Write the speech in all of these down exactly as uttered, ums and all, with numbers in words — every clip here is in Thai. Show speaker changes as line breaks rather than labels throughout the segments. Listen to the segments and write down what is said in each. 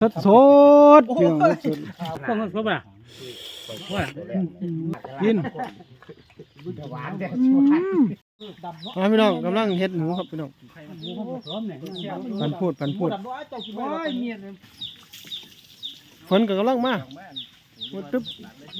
สดสดเพียงสด
พวกมันครบอ่ะว่า
กินมาพี่น้องกำลังเฮ็ดหมูครับพี่น้องปันพูดปันพูดฝนก็กำลังมาพูดตึ๊บ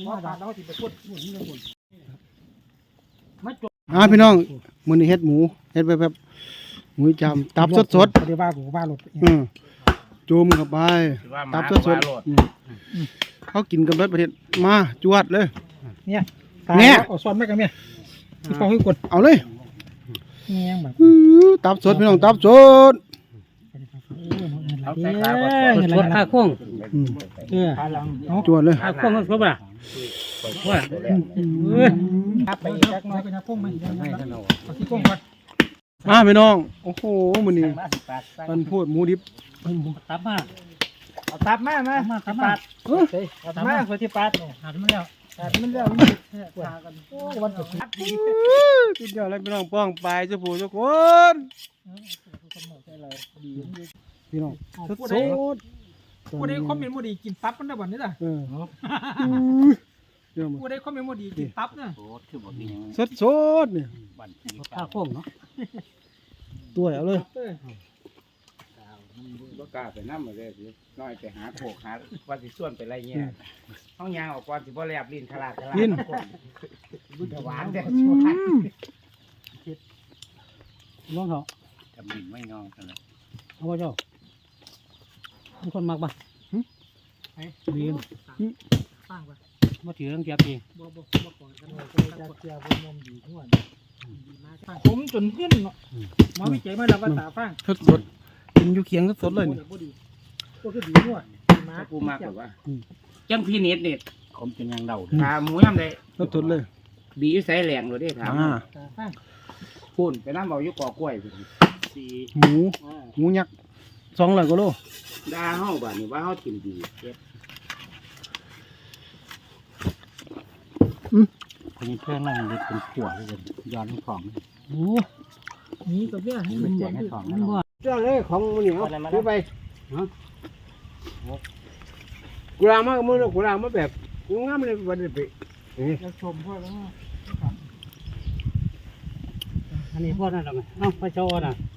อ่าพี่น้องมื้อนี้เฮ็ดหมูเฮ็ดไปแบบหมูจำตับสดสด
เดี๋ยวว่ากูว่าหลด
อืมจุ่มเข้าไปตับสดสดเขากินกันเบิดประเทศมาจวดเลย
เนี่ยเนี่ยเอาซ้อนไม่กันเนี่ยที่เขาให้กด
เอาเลย
เนี่ยแบบ
ตับสดพี่น้องตับสด
เอาใส่ขาสดข้าโค้ง
เออเอา
จวดเลย
ข้าโค้งมันครบอ่ะว่า
ครับไปอีกสักน้อยก็จะพุ่งมาอีกเอาที่ก้งก่อน
มาพี่น้องโอ้โหมื้อนี้ปันพูดหมูดิบ
ตับมา
เอาตับมามา
มาตับมา
เอาตับมาคนที่ปัดเนี่ย
หันมันแล้ว
ตัดมันแล้วปวดกันโอ้วันสุดท้าย
กินเดียวอะไรพี่น้องป้องปลายจะผู้ทุกคน พี่น้องสดสด
กูได้คอมเมนต์โมดีกินตับมันได้บ่นี่ล่ะ
เออเดี๋ยวมา
กูได้คอมเมนต์โมดีกินตับนะ
สดสดเนี่ย
ข้าโค้งเนาะ
ตัวเอาเลย
บ่กล้าไปนำมาเลยสิน้อยไปหาโขกหาว่าสิส่วนไปไรเงี้ยห้องยางออกก่อนสิบ่แลบลิ้นขลาดขลาด
กิน
บุญหวานเด้อ
ลองเถอะ
ทำลิ้นไม่งองกันเลย
เอาว่าเจ้าทุกคนมักป่ะดีน
ฟังป่ะ
มาถือเรื่องเทียบเอง
บ่บ่บ่ก่อนกันเลยจะเจียวบ่นมดีทั่วผมจนเพื่อนเนาะหมอวิจัยมาแล้วว่าตาฟัง
สดสดกินอยู่เคียงสดสดเลยนี่
บ่ดีก็คือดีทั่วมา
กูมากแบบว่าจังพี่เน็ตเน็ต
ผมเป็นยังเดา
ถามหมูยำได้
สดสดเลย
บีอยู่ไสแหลงเลยเด้ถาม
อ่า
ตาฟัง
พูนไปนำเอาอยู่กอกล้วยพุ่น
สี่
หมูหมูยักษ์สองร้อยกว่าโล
ด่าเฮาบัดนี้ว่าเฮากินดีเฮ็ด
คนนี้เพื่อนนั่งเด็กเป็นขวดเลยย้อนของ
โอ้นี่กับเนี่ยให้มัน
แจ
บ่
กให้ของ
มันบ่
เจ้าเลยของมันเหนียวซื้อไปกูรางมากมือกูรางมาแบบงามเลยวันนี้ไป
จะชมพ่อแล้ว
อันนี้พวกนั้นหรอไงน้องไปโชว์น่ะ